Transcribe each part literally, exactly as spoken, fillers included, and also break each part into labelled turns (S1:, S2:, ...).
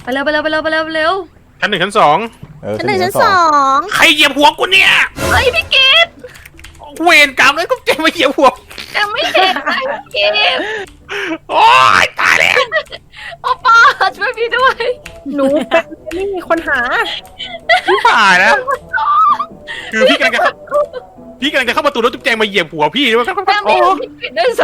S1: ไปเร็วไปเร็วไปเร็วไปเร็วไปเร็ว
S2: ชั้นหนึ่งชั้นสอง
S3: ชั้นหนึ่งชั้นสอง
S2: ใครเหยียบหัวกูเนี่ย
S1: เฮ้ยพี่เกด
S2: เวรกรรมเลยก็เจ๊มาเหยียบหัว
S1: ยังไม่เห็นเลยพี่เกด
S2: โอ๊ยตายแล้ว
S1: โอปอช่วยพี่ด้วย
S4: หนูเป็นไม่มีคนหา
S2: พี่ผ่านแล้วคือพี่กำลังจะเข้าพี่กำลังจะเข้าประตูแล้วจุ๊บแจงมาเหยียบหัวพี่ด้วย
S1: ยังไม่
S2: โอ้
S1: เห็นพี่เกดด้วยซ้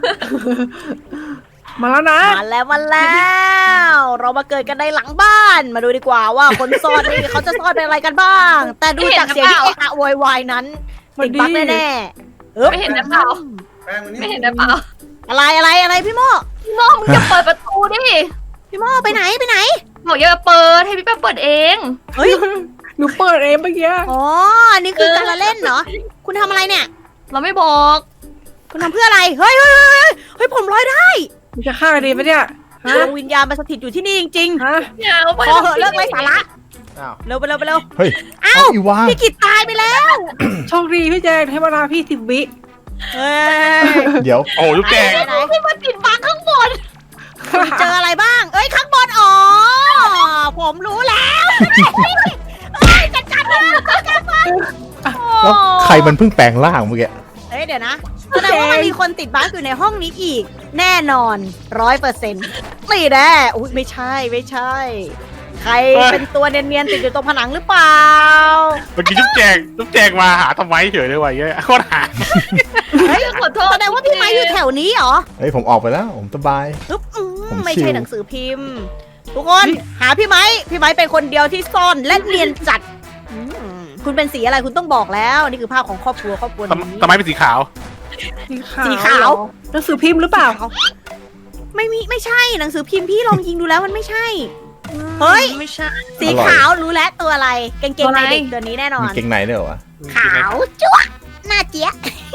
S4: มาแล้วนะ
S3: มาแล้วมาแล้ว เรามาเกิดกันในหลังบ้าน มาดูดีกว่าว่าคนซ่อนนี่เขาจะซ่อนเป็นอะไรกันบ้าง แต่ดูจากเสียงที่เอะอะโวยวายนั้นติดบั๊กแน่ๆเออ
S1: ำไม่เห็นได้เปล่าไม่เห็นได้เปล่า
S3: อะไรอะไรอะไรพี่โม
S1: พี่โมมึงจะเปิดประตูดิ
S3: พี่โมไปไหนไปไหน
S1: บอกอย่าเปิดให้พี่แป๊บเปิดเอง
S3: เฮ้ย
S4: หนูเปิดเองเมื่อกี้
S3: อ๋ออันนี้คือการละเล่นเหรอคุณทำอะไรเนี่ย
S1: เราไม่บอก
S3: คุณทำเพื่ออะไรเฮ้ยเฮ้ยเฮ้ยเฮ้ยผมลอยได้
S4: มันจะฆ่ากันดีปะเนี่ยฮะ
S3: ดวงวิญญาณมาสถิตอยู่ที่นี่จริง
S4: ฮะ
S1: อย่าเอา
S3: ๆ
S1: ไป
S3: พอเหอะเลิกไร้สาระ
S5: อ้าว
S3: เร็วไปเร็วไปเร็ว
S6: เฮ้ย
S3: อ้าว
S6: อีวา
S3: พี่กิตตายไปแล้ว
S4: โชคดีพี่แจงให้เวลาพี่สิบวิ
S3: เฮ้ย
S6: เดี๋ยว
S2: โหจุ๊บแจง
S3: ไหน
S1: พี่มาติดบังข้างบน
S3: เจออะไรบ้าง เอ้ยข้างบนอ๋อผมรู้แล้วเฮ้ยจัดการมันจัดการมัน
S6: แล้วใครมันเพิ่งแปลงร่างเมื่อกี้
S3: เฮ้ยเดี๋ยวนะแสดงว่ามันมีคนติดบั๊กอยู่ในห้องนี้อีก แน่นอนร้อยเปอร์เซ็นต์ไม่แน่อุ้ยไม่ใช่ไม่ใช่ ใครเป็นตัวเนียนๆติดอยู่ตรงผนังหรือเปล่า
S2: เมื่อกี้จุ๊บแจงจุ๊บแจงมาหาทำไมเฉยเลยวะเงี้ยโคตรหา
S3: เฮ้ย
S1: ขอโทษ
S3: แสดงว่าพี่ไม้อยู่แถวนี้เหรอ
S6: เฮ้ยผมออกไปแล้ว ผมสบาย
S3: ปึ๊บอืม
S6: ผม
S3: ไม่
S6: ชิ
S3: ใช่
S6: ว
S3: หนังสือพิมพ์ ทุกคนหาพี่ไม้พี่ไม้เป็นคนเดียวที่ซ่อนและเนียนจัดอืมคุณเป็นสีอะไรคุณต้องบอกแล้วนี่คือภาพของครอบครัวครอบครัว
S2: ทำ
S3: นี้
S2: ทำไมเป็นสีขาว
S3: สีขาว
S4: หนังสือพิมพ์หรือเปล่า
S3: ไม่มีไม่ใช่หนังสือพิมพ์พี่ลองยิงดูแล้วมันไม่ใช่ เฮ้ย
S1: ไม่ใช่
S3: สีขาวรู้แล้วตัวอะไรกางเกงในเด็กตัวนี้แน่นอ
S6: มี
S3: น
S6: เกงในด้วยเหรอวะ
S3: ขาวจั๊วะหน้าเจี๊ยะ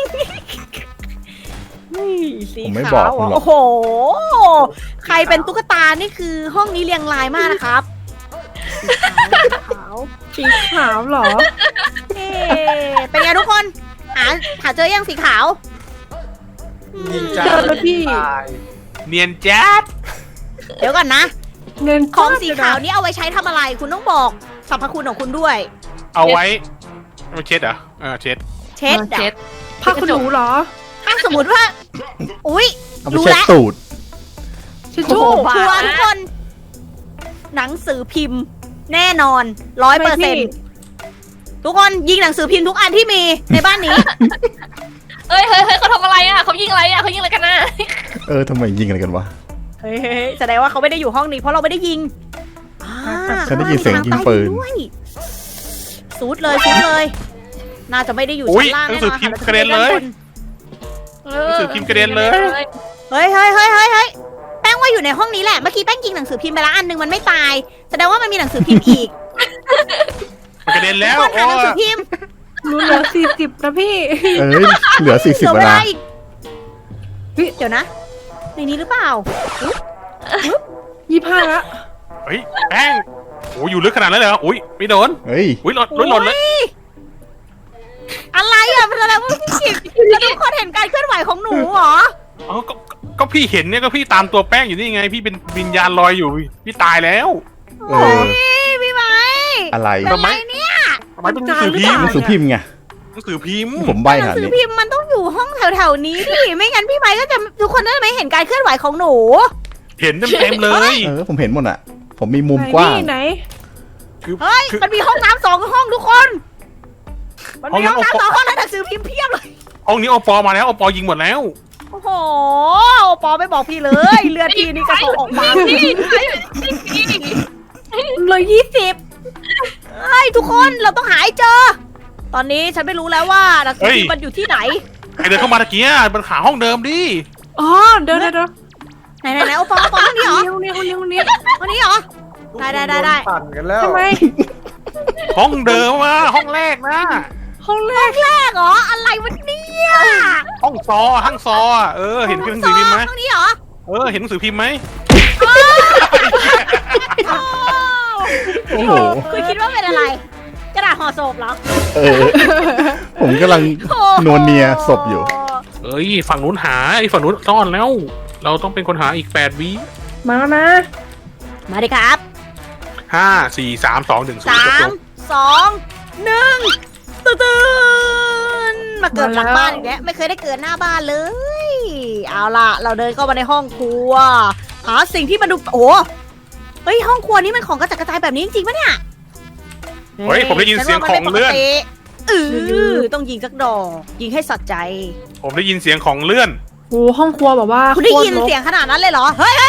S3: สี
S6: ผมไม่
S3: ขา
S6: บอก
S3: ว
S6: คุณหรอก
S3: โอ้โห ใครเป็นตุ๊กตานี่คือห้องนี้เรียงรายมากนะครับขาว
S4: สีขาวเหรอ
S3: เอ๊ะเป็นไงทุกคน หาหาเจอยังสีขาวอืม
S4: เจอแล้วพี่
S5: ตาย
S2: เนียนแจ๊ด
S3: เดี๋ยวก่อนนะ
S4: เงิน
S3: ของสีขาวนี่เอาไว้ใช้ทำอะไร คุณต้องบอกสรรพคุณของคุณด้วย
S2: เอาไว้มาเช็ดเหรอเออเช็ด
S3: เช็ด
S1: เช็ด
S4: ผ้าขนหนูเหรอ
S3: ถ้าสมมติว่า อุ๊ย
S6: เอาไป
S3: รู้
S6: เช็ด
S3: แล้ว
S6: ตูด
S4: ชิช
S3: โอ้
S4: ชู่
S3: โหชัวร์ทุกคน หนังสือพิมพ์ แน่นอนร้อยเปอร์เซ็นต์ทุกคนยิงหนังสือพิมพ์ทุกอันที่มีในบ้านนี้
S1: เอ้ยเฮ้ยเฮ้ยเขาทำอะไรอ่ะเขายิงอะไรอ่ะเขายิงอะไรกันน่ะ
S6: เออทำไมยิงอะไรกันวะ
S3: เฮ้ยแสดงว่าเขาไม่ได้อยู่ห้องนี้เพราะเราไม่ได้ยิงอ่า
S6: ฉันได้ยินเสียงยิงปืน
S3: ด้วยซูดเลยซูดเลย น่าจะไม่ได้อยู่
S2: อุ๊ย
S3: ชั้นล่าง
S2: หนั
S3: แน่
S2: งสื
S3: น
S2: อ
S3: อน
S2: พิมพ์
S3: ค่ะ
S2: กระเด็นเลย
S1: เอ
S2: หนังสือพิมพ์กระเด็นเลย
S3: เฮ้ยเฮ้ยเฮ้ยเฮ้ยเฮ้ยแป้งว่าอยู่ในห้องนี้แหละ เมื่อกี้แป้งยิงหนังสือพิมพ์ไปแล้วอันหนึงมันไม่ตาย แสดงว่ามันมีหนังสือพิมพ์อีก
S2: มันกระเด็นแล้ว
S3: ทุกคนหาหนังสือ
S2: โอ้
S3: พิมพ์
S4: หนูเหลือสี่สิบนะพี่
S6: เอ้ย เหลือสี่
S3: เห
S6: สิบ
S3: ลือ
S6: เว
S3: เว
S6: ลา
S3: ลาอีกเฮ้ยเดี๋ยวนะ ในนี้หรือเปล่า
S4: ยี่ห้าละ
S2: เฮ้ยแป้งโอ้ยอยู่ลึกขนาดนั้นเลยเหรออุ้ยไม่โดน
S6: เฮ้ย
S2: อุ้ยหล่นหล่นหล่นเลย
S3: โอ้ยอะไรอ่ะมันแสดงว่าพี่กิจแล้วทุกคนเห็นการเคลื่อนไหวของหนูเหรอ
S2: อ๋อก็ก็พี่เห็นเนี่ยก็พี่ตามตัวแป้งอยู่นี่ไง พี่เป็นวิญญาณลอยอยู่พี่ตายแล้ว
S6: เออ
S3: พี่พี่ไม้
S6: อะไร
S3: เป็นไรเนี่ย
S2: ทำไมเป็นหนังสือพิมพ์
S6: หนังสือพิมพ์ไง
S2: หนังสือพิมพ์
S6: ผมใบ
S3: หนั
S6: หาง
S3: สือ
S6: นี้
S3: พิมพ์มันต้องอยู่ห้องแถวๆนี้ดิไม่งั้นพี่ไม้ก็จะทุกคนจะไม่เห็นการเคลื่อนไหวของหนู
S2: เห็นเต็มๆเลย
S6: เออ ผมเห็นหมดอ่ะ ผมมีมุม
S4: ไหน
S6: กว้าง
S4: พี่ไหน
S2: คือ
S3: เฮ้ย
S2: คือ
S3: มันมีห้องน้ำสองห้องทุกคน มันมีห้องน้ำสองห้องแล้วหนังสือพิมพ์เพียบเลย
S2: ห้องนี้โอปอมาแล้วโอปอยิงหมดแล้ว
S3: โอ้โหปอไม่บอกพี่เลย เลือดพี่นี่กระโถออกมา
S1: นี่นี่นี่
S4: เหลือยี่สิบ
S3: เฮ้ยทุกคนเราต้องหาให้เจอ ตอนนี้ฉันไม่รู้แล้วว่าหนังสือพิมพ์มันอยู่ที่ไหน
S2: ใครเดินเข้ามาตะกี้มันหาห้องเดิมดิ
S4: อ๋อเดี๋ยวเดี๋ยวเดี๋ยว
S3: ไหนไหนไหนโอปอปอห้องนี้เหรอ
S4: คนนี้คนนี้คนนี้
S3: ห้องนี้เหรอ ได้ได้ได้ได้
S5: ปั่นกันแล้ว
S4: ทำไม
S2: ห้องเดิมอะห้องแรกนะ
S4: ห้องแร
S3: ห้อก งแรกเหรออะไรวะเนี่ย
S2: ห้องซอห้องซออะเออเห็นหนังสือพิมพ์ไหม
S3: ห้องนี้เหรอ
S2: เออเห็นหนังสือพิมพ์ไหม
S6: โอ้โห
S3: คุณคิดว่าเป็นอะไร กระดาษห่อศพเหรอ
S6: เออ ผมกำลังนวลเนียศพอยู่
S2: เอ้ยฝั่งนู้นหาไอ้ฝั่งนู้นซ่อนแล้ว เราต้องเป็นคนหาอีกแปดวิ
S4: มาแล้วนะ
S3: มาดิครับ
S2: ห้าสี่สามสองหนึ่งศูน
S3: สา
S2: ย์
S3: มสองหนึ่งตื่นตื่นมาเกิดหลังบ้านอีกแล้วไม่เคยได้เกิดหน้าบ้านเลย เอาล่ะ เราเดินเข้ามาในห้องครัว หาสิ่งที่มันดูโอ้เฮ้ยห้องครัวนี้มันของกระจัดกระจายแบบนี้จริงๆปะเนี่ย
S2: เฮ้ยผมได้ยินเสียงของเลื่อน
S3: เออต้องยิงสักดอก ยิงให้สัใจ
S2: ผมได้ยินเสียงของเลื่อน
S4: โอ้ห้องครัวแบบว่า
S3: คุณได้ยิน
S4: โตรรก
S3: เสียงขนาดนั้นเลยเหรอ เฮ้ย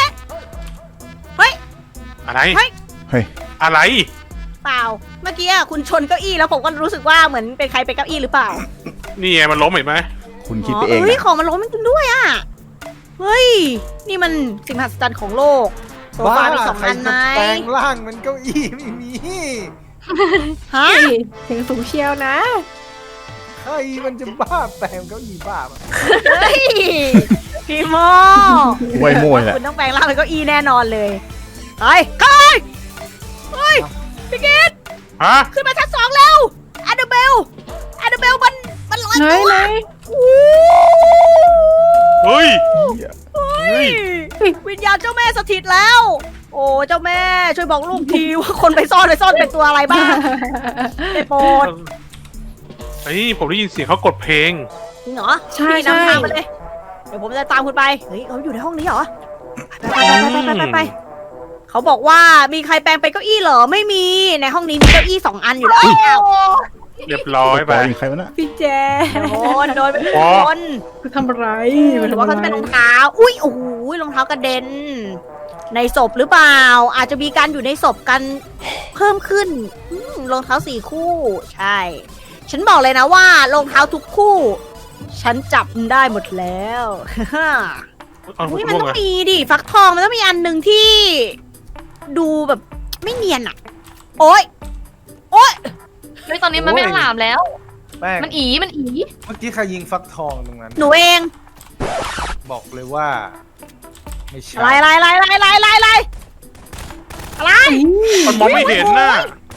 S2: อะไร
S3: เฮ้ย
S6: เฮ้ย
S2: อะไร
S3: เปล่า เมื่อกี้อะคุณชนเก้าอี้แล้วผมก็รู้สึกว่าเหมือนเป็นใครเป็นเก้าอี้หรือเปล่า
S2: นี่ไงมันล้มเห็นไหม
S6: คุณคิดไปเอง
S3: เฮ้ย
S6: นะ
S3: ของมันล้มจริงๆด้วยอ่ะ เฮ้ย นี่มันสิ่งมหัศจรรย์ของโลก โซฟามีสองอันไหม
S5: ใครจะแปลงร่างมันเก้าอี้ไม่มี
S3: ฮะ
S4: เฮ้ยเสียงสูงเชียวนะ
S5: ใครมันจะบ้าแปลงเก้าอี้บ้าปะ
S3: เฮ้ย พี่โม
S6: ไว้มวยแหละ
S3: คุณต้องแปลงร่างเป็นเก้าอี้แน่นอนเลยไปไปเฮ้ยพี่เกด
S2: ฮะ
S3: ขึ้นมาชั้นสองเร็วแอนเดอร์เบลแอนเดอร์เบลมันมันลอย
S4: ไหน
S3: ตัว
S4: ไหน
S3: อู้
S2: เฮ้ย
S3: เฮ้ยวิญญาณเจ้าแม่สถิตแล้ว โอ้เจ้าแม่ช่วยบอกลูกทีว่าคนไปซ่อนไปซ่อนเป็นตัวอะไรบ้างได้โปรด
S2: เฮ้ยผมได้ยินเสียงเขากดเพลง
S3: จริงเหรอ
S4: ใช่
S3: พี่
S4: ใช่
S3: นำทางมาเลย เดี๋ยวผมจะตามคุณไป เฮ้ยเขาอยู่ในห้องนี้เหรอ ไปไปไปไปไปไปเขาบอกว่ามีใครแปลงเป็นเก้าอี้เหรอ ไม่มี ในห้องนี้มีเก้าอี้สองอันอยู่แล้วอ้าว
S2: เรียบร้อยไป
S6: ปยิงใครวะน่ะ
S4: พี่แจ
S3: โดนโดนไป
S2: อ๋อ
S3: โดน
S4: คือทำอะไร
S3: หรือว่าเขาจะเป็นรองเท้า อุ้ยโอ้โหรองเท้ากระเด็น ในศพหรือเปล่า อาจจะมีการอยู่ในศพกันเพิ่มขึ้นอืมรองเท้าสี่คู่ ใช่ ฉันบอกเลยนะว่ารองเท้าทุกคู่ ฉันจับได้หมดแล้ว
S2: เอาผม
S3: นี่มัน
S2: ร่วง
S3: ต้อง
S2: เลย
S3: มีดิฟักทองมันต้องมีอันหนึ่งที่ ดูแบบไม่เนียนอะโอ๊ยโอ๊ย
S1: เฮ้ยตอนนี้มันไม่หลามแล้ว
S5: แป้ง
S1: มันอีมันอี
S5: เมื่อกี้ใครยิงฟักทองตรงนั้น
S3: หนูเอง
S5: บอกเลยว่า ไม่ใช่
S3: อะไรอะไรอะไรอะไรอะไรอะไรอะไร
S2: มันมองไม่เห็นน่ะ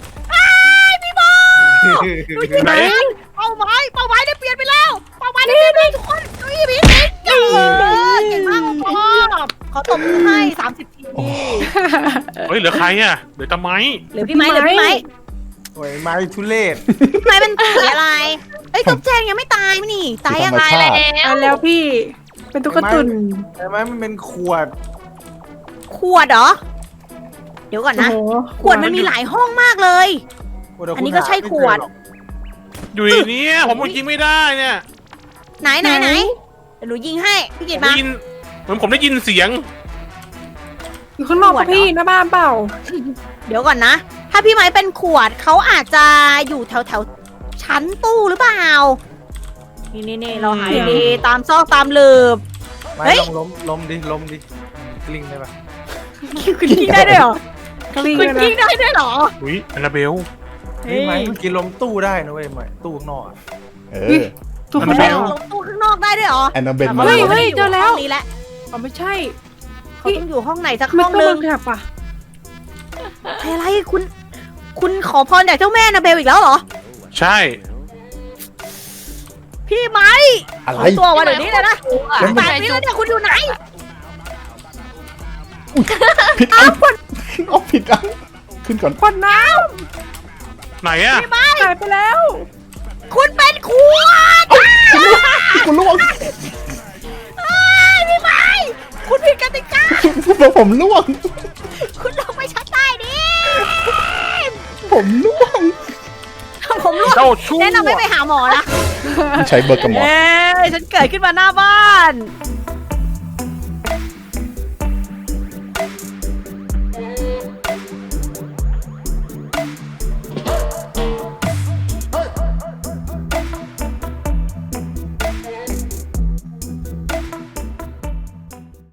S3: ดูที่
S2: ไหน
S3: มันเป้าหมายเป้าหมายได้เปลี่ยนไปแล้วเป้าหมายได้เปลี่ยนไปทุกคนเก้าอี้ผีสิงเก่งเก่งมากพ่อขอตบมือให้สามสิบที
S2: เฮ้ยเหลือใครอ่ะเหลือตะไม้
S3: เหลือพี่ไม้เหลือพี่ไม้
S5: โอ้ยไม้ทุเรศ
S3: พี่ไม้เป็นสีอะไรเอ้ยตุ๊กแจงยังไม่ตายมั้ยนี่ตายยัง
S6: ธรรม
S1: ตาย
S6: ชา
S1: แล้
S6: ติ
S1: ว
S4: ตายแล้วพี่ เป็นตุ๊กตุน
S5: แต่ไม้มันเป็นขวด
S3: ขวดเหรอเดี๋ยวก่อนนะ
S4: โอ้โห
S3: ขวดมันมีหลายห้องมากเลย
S5: ขวดเดี๋ยว
S3: อันนี้
S5: คุณ
S3: ก็ใช่
S5: หาไม่
S3: ขวด
S5: เจอหรอก
S2: อยู่ในเนี้ยผมยิงไม่ได้เนี่ย
S3: ไหนไหนไหนเดี๋ยวหนูยิงให้พี่
S2: ผ
S3: กิต
S2: ม
S3: มา
S2: ได้ยินเหมือนผมได้ยินเสียง
S4: อยู่ข้างนอก
S3: ขวด
S4: ปะพี่
S3: เหรอ
S4: หน้าบ้านเปล่า
S3: เดี๋ยวก่อนนะ ถ้าพี่ไม้เป็นขวดเขาอาจจะอยู่แถวแถวๆชั้นตู้หรือเปล่า นี่นี่นี่เราหา
S4: เสียง
S3: ดีๆตามซอกตามหลืบ
S5: ไม้
S3: เฮ้ย
S5: ลองล้มล้มดิล้มดิกลิ้งได้ปะ
S3: คุณยิงได้ด้วยเหรอก
S4: ลิ้ง
S3: คุณ
S4: เลย
S3: ยิง
S4: นะ
S3: ได้ด้วยเหรอ
S2: อุ้ยแอนนาเบล
S5: เฮ้ยไม้เมื่อกี้ล้มตู้ได้นะเว้ยไม้ตู้ข้างนอกอะ
S6: เออ
S4: ถูก
S2: มัน
S4: แล้
S2: เป็น
S4: ว
S3: ลงตู้ข้างนอกได้ด้วยเหรอ
S6: แอนนาเบนมา
S4: เฮ้ย
S6: แล้ว
S4: เฮ้ยเจอแล้ว
S3: ห้องนี้แหละ
S4: อ๋อไม่ใช่
S3: เขาต้องอยู่ห้องไหนสัก
S4: ไม่
S3: ห้อง
S4: ต้อง
S3: นึ
S4: มึ
S3: ง
S4: งแบบอ่ะ
S3: อะไรคุณ คุณขอพรจากเจ้าแม่นาเบลอีกแล้วเหรอ
S2: ใช่
S3: พี่ไม้
S6: อะไร
S3: เอาตัวมาเดี๋ยวนี้เลยนะ
S6: แล้วมัน
S3: แปดวิแล้วเนี่ยคุณอยู่ไหน
S6: ผิดอันเอาผิดอันขึ้นก่อน
S4: ขวดน้
S2: ไหนอ่ะ
S3: พี่ไม้
S4: ำหายไปแล้ว
S3: คุณเป็นขวด
S6: คุณล่วง
S3: เอ้ยพี่ไม้คุณผิดกติกา
S6: ผมล่วง
S3: คุณลงไปชั้นใต้ดิ
S6: ผมล่วง
S3: ผมรู้
S2: เจ้าชั่ว
S3: แนะนำให้ไปหาหมอนะ
S6: ใช้เบอร์กระหมอ
S3: เอ้ยฉันเกิดขึ้นมาหน้าบ้าน